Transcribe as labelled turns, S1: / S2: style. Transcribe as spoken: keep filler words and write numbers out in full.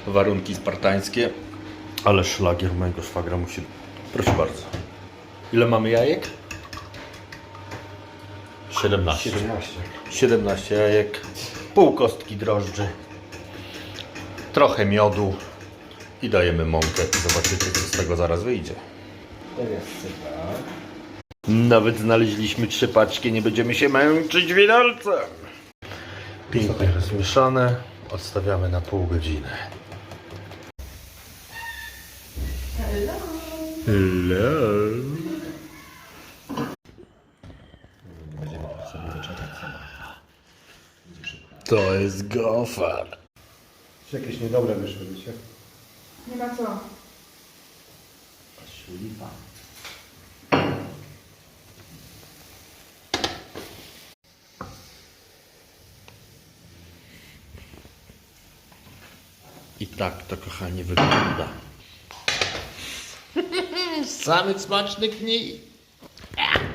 S1: warunki spartańskie, ale szlagier mojego szwagra musi... Proszę bardzo. Ile mamy jajek? siedemnaście.
S2: siedemnaście.
S1: siedemnaście jajek, pół kostki drożdży, trochę miodu i dajemy mąkę. Zobaczycie, co z tego zaraz wyjdzie.
S2: Teraz sypa.
S1: Nawet znaleźliśmy trzy paczki, nie będziemy się męczyć widelcem. Pięknie rozmieszane, odstawiamy na pół godziny.
S3: Hello.
S1: Hello.
S2: Będziemy sobie wyczekać sama. Będzie szybko.
S1: To jest gofar.
S2: Czy jakieś niedobre wyszły, wiecie?
S3: Nie ma co.
S2: Lipa.
S1: I tak to, kochani, wygląda. Samy smaczny knij.